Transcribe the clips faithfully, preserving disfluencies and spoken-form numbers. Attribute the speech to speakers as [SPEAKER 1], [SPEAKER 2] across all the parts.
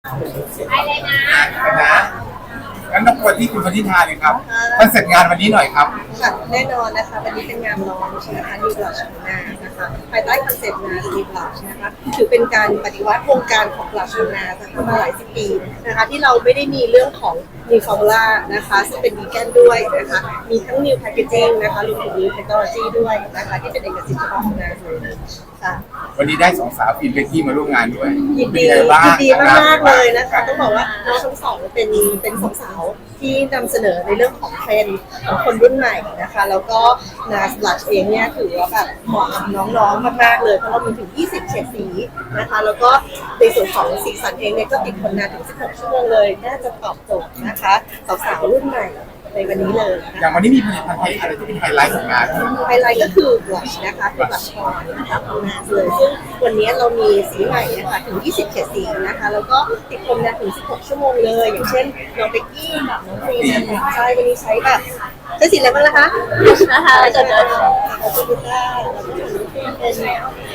[SPEAKER 1] ไปเลยนะ
[SPEAKER 2] นะงั้นรบกวนที่คุณพันธิธาเลยครับคอนเซ็ปต์งานวันนี้หน่อยครับ
[SPEAKER 3] ค่ะแน่นอนนะคะวันนี้เป็นงานลอนช์นะคะ New Blush ของนานะคะภายใต้คอนเซ็ปต์นา New Blush นะคะถือเป็นการปฏิวัติวงการของ Blush ของนานะคะมาหลายสิบปีนะคะที่เราไม่ได้มีเรื่องของ New Formula นะคะซึ่งเป็นวีแกนด้วยนะคะมีทั้ง New Packaging นะคะรวมถึง New Technology ด้วยนะคะที่เป็นเอกสิทธิ์เฉพาะของนาเลยค่ะ
[SPEAKER 2] วันนี้ได้สองสาวฟิล์มเบกกี้มาร่วมงานด้วย
[SPEAKER 3] ยินดียินดีมากๆเลยนะคะต้องบอกว่าน้องทั้งสองเป็นเป็นสองสาวที่นำเสนอในเรื่องของเทรนด์ของคนรุ่นใหม่นะคะแล้วก็นาสลัดเองเนี่ยถือว่าแบบเหมาะกับน้องๆมากๆเลยเพราะเรามีถึงยี่สิบเฉดสีนะคะแล้วก็ในส่วนของสีสันเองเนี่ยก็ติดทนนานถึงสิบหกชั่วโมงเลยน่าจะตอบโจทย์นะคะสาวๆรุ่นใหม่ในวันนี้เลย
[SPEAKER 2] อย่างวันนี้มีผลิตภัณฑ์อะไรที่เป็นไฮไลท์ของงาน
[SPEAKER 3] ไฮไลท์ก็คือบลัชนะคะเป็นบลัชออนนะคะของนาเลยซึ่งวันนี้เรามีสีใหม่นะคะถึงยี่สิบเฉดสีนะคะแล้วก็ติดทนนานถึงสิบหกชั่วโมงเลยอย่างเช่นน้องเบกกี้กับน้องฟรีนะคะใช่วันนี้ใช้แบบใช้สีอะไรบ้างนะคะนะคะจะเดินขอบคุณค่ะเป็นใช่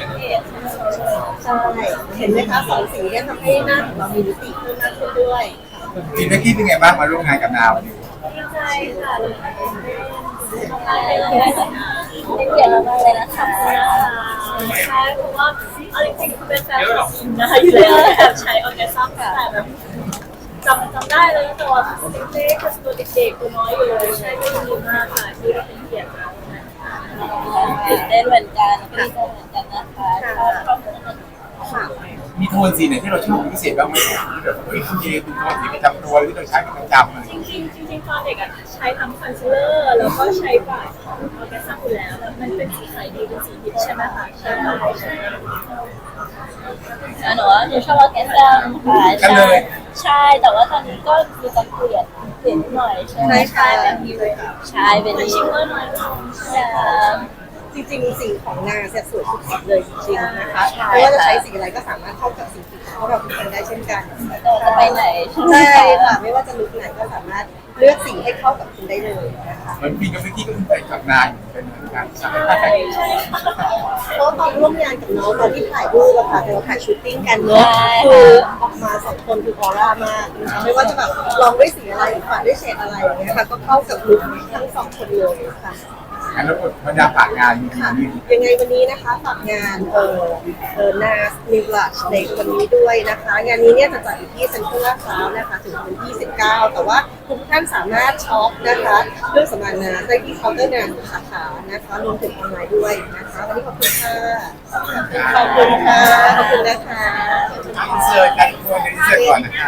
[SPEAKER 3] เห็นไหมคะสองสีเนี่ยทำให้หน้าของเรามีมิติเพิ่มมากขึ้นด้วย
[SPEAKER 2] ฟิล์มเบกกี้เป็นไงบ้างมาร่วมงานกับนาวันนี้
[SPEAKER 1] ดีใจค่ะเป็นเกียรติมากเลยนะคะใช่เพราะว่าเอาจริงๆคือเป็นแฟนนะคะอยู่แล้วแบบใช้ออร์แกซัมแต่แบบจำจำได้เลยแต่ว่าเด็กๆตัวเด็กๆตัวน้อยอยู่เลยใช่ก็ดีมากค่ะที่ได้เป็นเกียรติมา
[SPEAKER 4] ตื่นเต้นเหมือนกันดีใจเหมือนกันนะคะชอบชอบ
[SPEAKER 3] ค่ะ
[SPEAKER 2] มีโทนสีไหนที่เราชอบพิเศษบ้างไหมแบบเฮ้ยโอเคเป็นโทนสีประจำตัวที่เราใช้เป็นประจำ
[SPEAKER 1] จริงๆจริงๆตอนเด็กอ่ะใช้ทั้งคอนซีลเลอร์แล้วก็ใช้ปากของออร์แกซัมอยู่แล้วแล้วมันเป็นสีขายดีเป็นสีฮิตใช่ไหมคะใช่ใช่
[SPEAKER 4] หนูว่าหนูชอบออร์แกซัมค่ะใช่ใช่แต่ว่าตอนนี้ก็มีจะเปลี่ยนเปลี่ยนหน่อยใช่ไหม
[SPEAKER 3] ใช่
[SPEAKER 4] แบบนี้เลยใช่เป็น
[SPEAKER 1] ชิมเมอร์หน่อย
[SPEAKER 4] ใช่
[SPEAKER 3] จริงๆสีของนาเสียสวยทุกสีเลยจริงๆนะคะไม่ว่าจะใช้สีอะไรก็สามารถเข้ากับสีผิวของเราทุกคนได้เช่นกัน
[SPEAKER 4] จะไปไหน
[SPEAKER 3] ใช่ค่ะไม่ว่าจะลุคไหนก็สามารถเลือกสีให้เข้ากับคุณได้เลยนะคะ
[SPEAKER 2] เหมือนฟิล์มกับเบกกี้ก็เป็นไปกับนาเป็นเหมือนกันใช่
[SPEAKER 3] เพราะตอนร่วมงานกับน้องตอนที่ถ่ายรูปอะค่ะเราถ่ายชูตติ้งกันเนอะคือออกมาสองคนคือออร่ามากนะคะไม่ว่าจะแบบลองด้วยสีอะไรหรือฝันด้วยเฉดอะไรอย่างเงี้ยค่ะก็เข้ากับลุคทั้งสองคนเลยค่ะ
[SPEAKER 2] งั้นเราบรรยากาศงาน
[SPEAKER 3] ค่ะยังไงวันนี้นะคะฝากงานเอ่อเอ่อนาสนิวลัชในวันนี้ด้วยนะคะงานนี้เนี่ยจะจัดอยู่ที่เซ็นทรัลลาดพร้าวนะคะถึงวันที่สิบเก้าแต่ว่าทุกท่านสามารถช็อปนะคะเรื่องสมานนาได้ที่เคาน์เตอร์งานสาขานะคะรวมถึงออนไลน์ด้วยนะคะวันนี้ขอบคุณค่ะขอบคุณค่ะขอบคุณนะคะ
[SPEAKER 2] อินเสิร์ตกันตัวอินเสิร์ตก่อนนะคะ